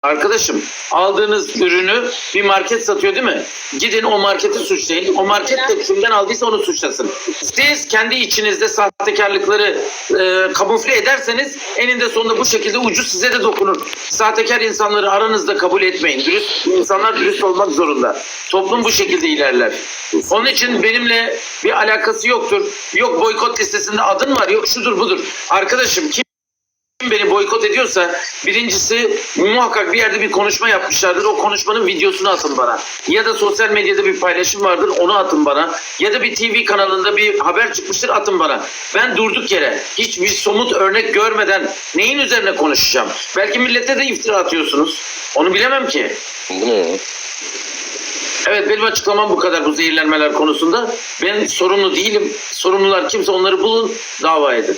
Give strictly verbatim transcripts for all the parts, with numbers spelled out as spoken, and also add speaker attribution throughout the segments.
Speaker 1: Arkadaşım, aldığınız ürünü bir market satıyor değil mi? Gidin o marketi suçlayın. O market de kimden aldıysa onu suçlasın. Siz kendi içinizde sahtekarlıkları e, kamufle ederseniz eninde sonunda bu şekilde ucu size de dokunur. Sahtekar insanları aranızda kabul etmeyin. Dürüst insanlar dürüst olmak zorunda. Toplum bu şekilde ilerler. Onun için benimle bir alakası yoktur. Yok boykot listesinde adın var, yok şudur budur. Arkadaşım kim beni boykot ediyorsa birincisi muhakkak bir yerde bir konuşma yapmışlardır. O konuşmanın videosunu atın bana. Ya da sosyal medyada bir paylaşım vardır, onu atın bana. Ya da bir T V kanalında bir haber çıkmıştır, atın bana. Ben durduk yere hiçbir somut örnek görmeden neyin üzerine konuşacağım? Belki millete de iftira atıyorsunuz. Onu bilemem ki.
Speaker 2: Bu ne?
Speaker 1: Evet, benim açıklamam bu kadar bu zehirlenmeler konusunda. Ben sorumlu değilim. Sorumlular kimse onları bulun, dava edin.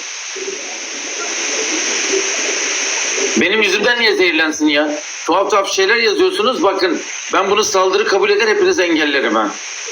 Speaker 1: Benim yüzümden niye zehirlensin ya? Tuhaf tuhaf şeyler yazıyorsunuz. Bakın ben bunu saldırı kabul eder, hepiniz engellerim ha.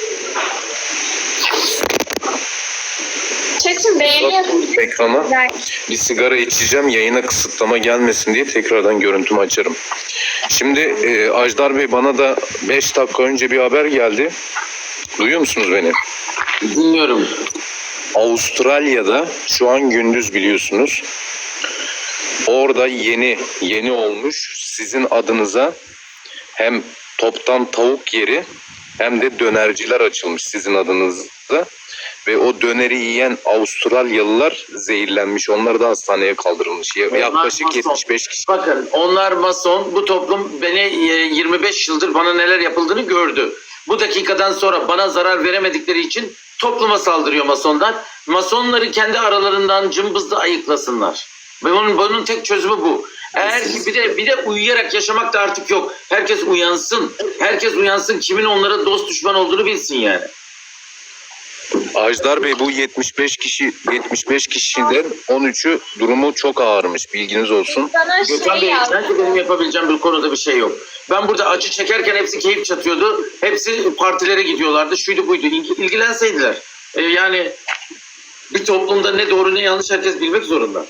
Speaker 3: Çetin beğeniyorsun.
Speaker 2: Ekrana bir sigara içeceğim, yayına kısıtlama gelmesin diye tekrardan görüntümü açarım. Şimdi e, Ajdar Bey, bana da beş dakika önce bir haber geldi. Duyuyor musunuz beni?
Speaker 1: Dinliyorum.
Speaker 2: Avustralya'da şu an gündüz, biliyorsunuz. Orada yeni yeni olmuş sizin adınıza hem toptan tavuk yeri hem de dönerciler açılmış sizin adınıza. Ve o döneri yiyen Avustralyalılar zehirlenmiş. Onlar da hastaneye kaldırılmış. Yaklaşık yetmiş beş kişi.
Speaker 1: Bakın onlar mason. Bu toplum beni yirmi beş yıldır bana neler yapıldığını gördü. Bu dakikadan sonra bana zarar veremedikleri için topluma saldırıyor masonlar. Masonları kendi aralarından cımbızla ayıklasınlar. Ve bunun, bunun tek çözümü bu. Eğer ki bir de bir de uyuyarak yaşamak da artık yok. Herkes uyansın. Herkes uyansın. Kimin onlara dost düşman olduğunu bilsin yani.
Speaker 2: Ajdar Bey, bu yetmiş beş kişi yetmiş beş kişiden on üçü durumu çok ağırmış. Bilginiz olsun.
Speaker 3: Bana
Speaker 1: Gökhan
Speaker 3: şey
Speaker 1: Bey,
Speaker 3: yazdı.
Speaker 1: sanki benim yapabileceğim bir konuda bir şey yok. Ben burada acı çekerken hepsi keyif çatıyordu. Hepsi partilere gidiyorlardı. Şuydu buydu. İlgi- İlgilenseydiler. Ee, yani bir toplumda ne doğru ne yanlış herkes bilmek zorunda.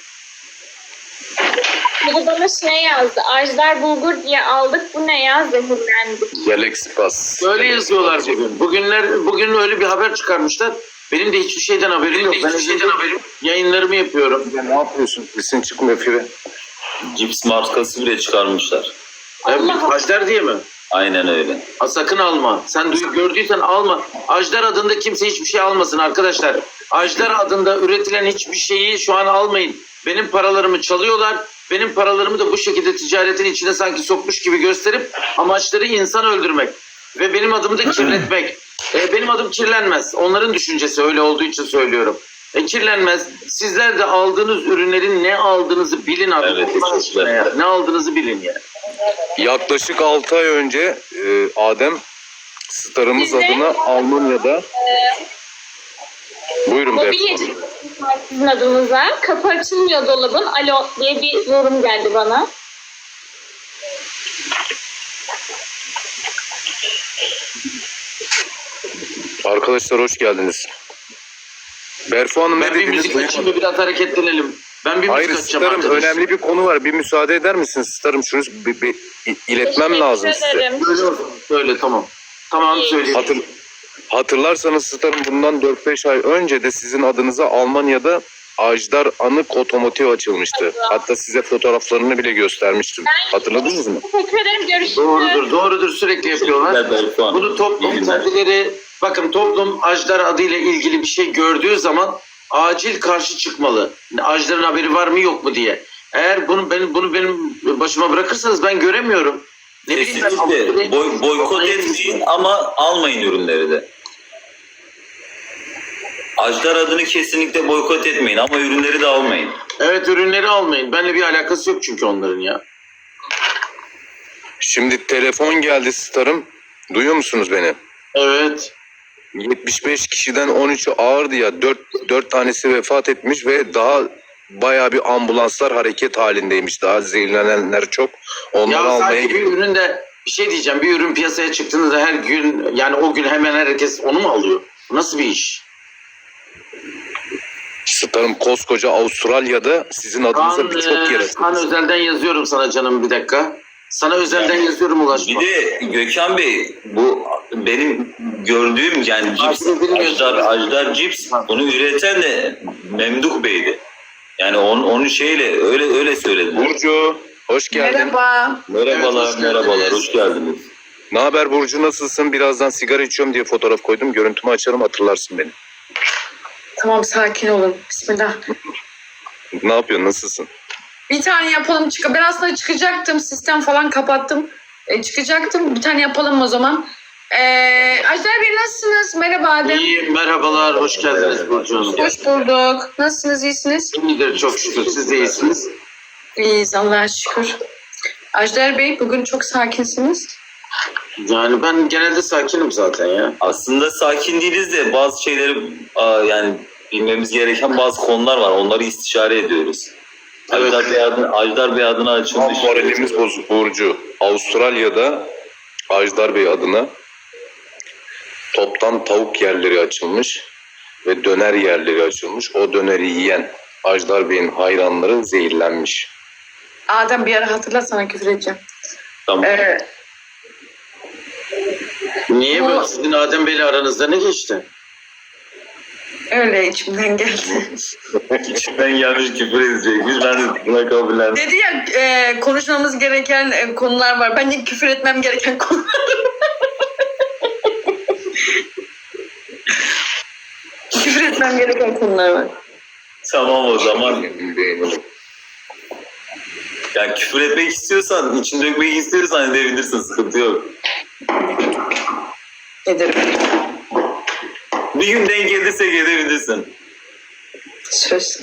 Speaker 3: Biri bana şey yazdı. Ajdar bulgur diye aldık. Bu ne ya? Zehirlendik.
Speaker 2: Galaxy Pass.
Speaker 1: Böyle yazıyorlar bugün. Bugünler, bugün öyle bir haber çıkarmışlar. Benim de hiçbir şeyden haberim yok. Ben hiçbir şeyden haberim. Yayınlarımı yapıyorum.
Speaker 2: Ne yapıyorsun? Sesin çıkmıyor Fire.
Speaker 4: Cips markası bile çıkarmışlar.
Speaker 1: Evet, Ajdar diye mi?
Speaker 4: Aynen öyle.
Speaker 1: Ha, sakın alma. Sen duy, gördüysen alma. Ajdar adında kimse hiçbir şey almasın arkadaşlar. Ajdar adında üretilen hiçbir şeyi şu an almayın. Benim paralarımı çalıyorlar. Benim paralarımı da bu şekilde ticaretin içine sanki sokmuş gibi gösterip amaçları insan öldürmek. Ve benim adımı da kirletmek. E, benim adım kirlenmez. Onların düşüncesi öyle olduğu için söylüyorum. E, kirlenmez. Sizler de aldığınız ürünlerin ne aldığınızı bilin abi.
Speaker 4: Evet,
Speaker 1: Allah aşkına ya. Ne aldığınızı bilin yani.
Speaker 2: Yaklaşık altı ay önce e, Adem starımız
Speaker 3: Biz de-
Speaker 2: adına Almanya'da. Buyurun
Speaker 3: Mobilyacı
Speaker 2: beyefendi.
Speaker 3: sizin adınıza. Kapı açılmıyor dolabın. Alo diye bir yorum geldi bana.
Speaker 2: Arkadaşlar hoş geldiniz. Berfu Hanım, ne
Speaker 1: Ben bir
Speaker 2: dediniz?
Speaker 1: müzik açayım ve biraz hareketlenelim. Ben bir
Speaker 2: Hayır
Speaker 1: müzik açacağım
Speaker 2: starım,
Speaker 1: arkadaşlar.
Speaker 2: önemli bir konu var. Bir müsaade eder misiniz starım? Şunu bir, bir iletmem
Speaker 3: Teşekkür
Speaker 2: lazım size.
Speaker 3: ederim.
Speaker 1: Öyle olsun. Öyle tamam. Tamam
Speaker 3: İyi.
Speaker 1: söyleyeyim.
Speaker 2: Hatır, hatırlarsanız starım, bundan dört beş ay önce de sizin adınıza Almanya'da Ajdar Anık Otomotiv açılmıştı. Hatta size fotoğraflarını bile göstermiştim. Hatırladınız mı?
Speaker 3: Teşekkür ederim. Görüşürüz.
Speaker 1: Doğrudur, doğrudur sürekli yapıyorlar.
Speaker 4: Teşekkürler Berfu Hanım.
Speaker 1: Bunu toplum
Speaker 4: İyi günler.
Speaker 1: kendileri, bakın toplum Ajdar adıyla ilgili bir şey gördüğü zaman acil karşı çıkmalı. Ajdar'ın haberi var mı yok mu diye. Eğer bunu benim bunu benim başıma bırakırsanız ben göremiyorum. Ne bileyim ben,
Speaker 4: Kesinlikle boy, boykot etmeyin ama almayın ürünleri de. Ajdar adını kesinlikle boykot etmeyin ama ürünleri de almayın.
Speaker 1: Evet, ürünleri almayın. Benimle bir alakası yok çünkü onların ya.
Speaker 2: Şimdi telefon geldi starım. Duyuyor musunuz beni?
Speaker 1: Evet.
Speaker 2: yetmiş beş kişiden on üçü ağırdı ya. dört, dört tanesi vefat etmiş ve daha bayağı bir ambulanslar hareket halindeymiş. Daha zehirlenenler çok. Onları
Speaker 1: Ya
Speaker 2: almaya
Speaker 1: sanki bir ürün de bir şey diyeceğim. Bir ürün piyasaya çıktığında her gün, yani o gün hemen herkes onu mu alıyor? Bu nasıl bir iş?
Speaker 2: starım, koskoca Avustralya'da sizin adınıza
Speaker 1: Kaan,
Speaker 2: birçok yer
Speaker 1: e, Kaan
Speaker 2: açılmış.
Speaker 1: Özel'den yazıyorum sana canım, bir dakika. Sana özelden yazıyorum, ulaşma.
Speaker 4: Bir de Gökhan Bey, bu benim gördüğüm yani cips,
Speaker 1: Aslında bilmiyorum.
Speaker 4: Ajdar, Ajdar cips, bunu üreten de Memduh Bey'di. Yani onun, onun şeyle öyle öyle söyledi.
Speaker 2: Burcu, hoş geldin.
Speaker 5: Merhaba.
Speaker 4: Merhabalar,
Speaker 1: Evet, hoş geldiniz.
Speaker 4: merhabalar, hoş geldiniz.
Speaker 2: Ne haber Burcu, nasılsın? Birazdan sigara içiyorum diye fotoğraf koydum. Görüntümü açarım, hatırlarsın beni.
Speaker 5: Tamam, sakin olun. Bismillah.
Speaker 2: Ne yapıyorsun, nasılsın?
Speaker 5: Bir tane yapalım. Çık ben aslında çıkacaktım. Sistem falan kapattım. E, çıkacaktım. Bir tane yapalım o zaman. E, Ajdar Bey nasılsınız? Merhaba Adem.
Speaker 1: İyi, merhabalar, hoş geldiniz Burcu Hanım.
Speaker 5: Hoş bulduk. Nasılsınız? İyisiniz?
Speaker 1: İyidir, çok şükür. Siz de iyisiniz.
Speaker 5: İyiyiz Allah'a şükür. Ajdar Bey bugün çok sakinsiniz.
Speaker 1: Yani ben genelde sakinim zaten ya.
Speaker 4: Aslında sakin değiliz de bazı şeyleri aa, yani bilmemiz gereken bazı konular var. Onları istişare ediyoruz.
Speaker 1: Evet.
Speaker 4: Ajdar Bey adına, Ajdar Bey adına
Speaker 2: Tam
Speaker 4: açılmış.
Speaker 2: moralimiz bozuk Burcu. Avustralya'da Ajdar Bey adına toptan tavuk yerleri açılmış ve döner yerleri açılmış. O döneri yiyen Ajdar Bey'in hayranları zehirlenmiş.
Speaker 5: Adem bir ara hatırlat, sana küfür edeceğim.
Speaker 4: Tamam.
Speaker 5: E,
Speaker 1: Niye
Speaker 5: Bu-
Speaker 1: böyle, sizin Adem Bey'le aranızda ne geçti?
Speaker 5: öyle içimden geldi.
Speaker 4: İçinden gelmiş küfür edecekmiş. Ben de buna kabullendim.
Speaker 5: Dedi ya e, konuşmamız gereken e, konular var. Bence küfür etmem gereken konular. Küfür etmem gereken konular var.
Speaker 4: Tamam o zaman. Yani küfür etmek istiyorsan, için dökmek istiyorsan edebilirsin. Sıkıntı yok.
Speaker 5: Ederim.
Speaker 4: Bir gün denk gelirsek edebilirsin.
Speaker 5: Söz.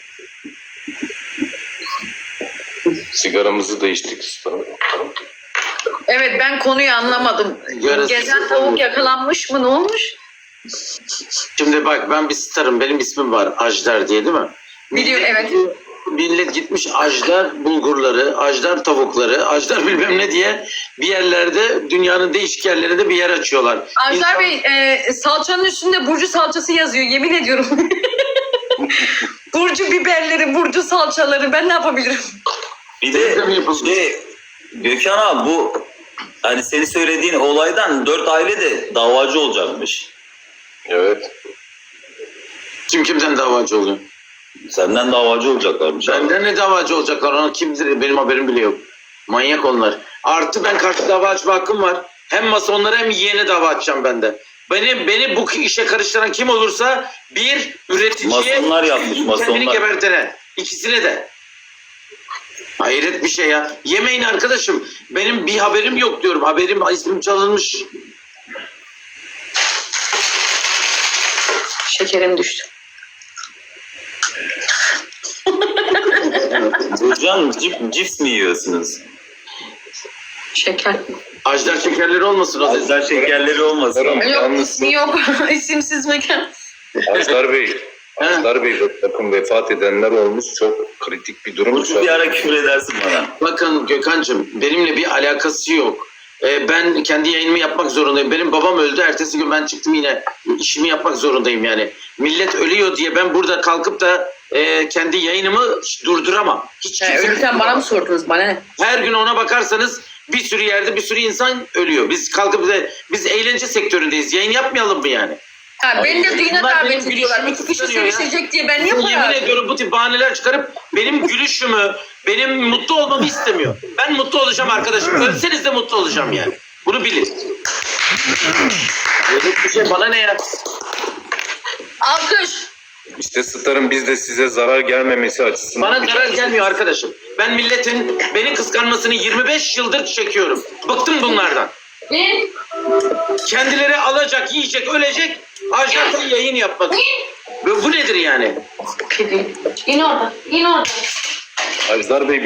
Speaker 2: Sigaramızı da içtik.
Speaker 5: Evet, ben konuyu anlamadım.
Speaker 1: Yarısı
Speaker 5: Gezen
Speaker 1: sıfır.
Speaker 5: tavuk yakalanmış mı? Ne olmuş?
Speaker 1: Şimdi bak, ben bir starım. Benim ismim var. Ajdar diye, değil mi?
Speaker 5: Biliyorum, evet.
Speaker 1: Millet gitmiş Ajdar bulgurları, Ajdar tavukları, Ajdar bilmem ne diye bir yerlerde, dünyanın değişik yerlerinde bir yer açıyorlar.
Speaker 5: Ajdar
Speaker 1: İnsan-
Speaker 5: Bey, e, salçanın üstünde Burcu salçası yazıyor. Yemin ediyorum. Burcu biberleri, Burcu salçaları. Ben ne yapabilirim?
Speaker 4: Bir
Speaker 1: Denizde mi
Speaker 4: de
Speaker 1: yapılmış?
Speaker 4: şey, Gökhan abi bu hani senin söylediğin olaydan dört aile de davacı olacakmış.
Speaker 2: Evet.
Speaker 1: Kim kimden davacı oluyor?
Speaker 4: Senden davacı olacaklarmış abi.
Speaker 1: Benden ne davacı olacaklar? Ona kimdir? Benim haberim bile yok. Manyak onlar. Artı ben karşı dava açma hakkım var. Hem masonlara hem yeğene dava açacağım ben de. Beni, beni bu işe karıştıran kim olursa, bir üreticiye,
Speaker 4: Masonlar yapmış,
Speaker 1: kendini
Speaker 4: masonlar.
Speaker 1: gebertene. İkisine de. Hayret bir şey ya. Yemeyin arkadaşım. Benim bir haberim yok diyorum. Haberim, ismim çalınmış.
Speaker 5: Şekerim düştü.
Speaker 4: Hocam cip, cips mi yiyorsunuz?
Speaker 5: Şeker.
Speaker 1: Ajdar şekerleri olmasın o da.
Speaker 4: Ajdar şekerleri olmasın.
Speaker 2: Tamam.
Speaker 5: Yok,
Speaker 2: Yalnız-
Speaker 5: ismi yok. İsimsiz mekan.
Speaker 2: Ajdar Bey, Ajdar Bey bakın vefat edenler olmuş. Çok kritik bir durum.
Speaker 4: Burcu bir ara küfür edersin bana.
Speaker 1: Bakın Gökhan'cığım, benimle bir alakası yok. Ee, ben kendi yayınımı yapmak zorundayım. Benim babam öldü. Ertesi gün ben çıktım, yine işimi yapmak zorundayım yani. Millet ölüyor diye ben burada kalkıp da e, kendi yayınımı durduramam. Hiç
Speaker 5: Yani
Speaker 1: kimse-
Speaker 5: ölürken bana mı sordunuz? Bana ne?
Speaker 1: Her gün ona bakarsanız bir sürü yerde bir sürü insan ölüyor. Biz kalkıp da biz eğlence sektöründeyiz. Yayın yapmayalım mı yani?
Speaker 5: Ha, beni de düğüne
Speaker 1: Bunlar benim
Speaker 5: davet ediyorlar.
Speaker 1: gülüşümü
Speaker 5: İki kişi
Speaker 1: kıskanıyor ya.
Speaker 5: sevişecek diye ben niye
Speaker 1: Yemin
Speaker 5: para harcıyorum?
Speaker 1: ediyorum bu tip bahaneler çıkarıp benim gülüşümü, benim mutlu olmamı istemiyor. Ben mutlu olacağım arkadaşım. Ölseniz de mutlu olacağım yani. Bunu bilin. Öyle bir şey bana ne ya?
Speaker 5: Alkış.
Speaker 2: İşte Star'ın biz de size zarar gelmemesi açısından.
Speaker 1: Bana zarar gelmiyor arkadaşım. Ben milletin beni kıskanmasını yirmi beş yıldır çekiyorum. Bıktım bunlardan.
Speaker 3: Ne?
Speaker 1: Kendileri alacak, yiyecek, ölecek. Ajansa yayın yapmak. Bu bu nedir yani?
Speaker 5: Kedi.
Speaker 3: İn orada. İn orada.
Speaker 2: Ajdar Bey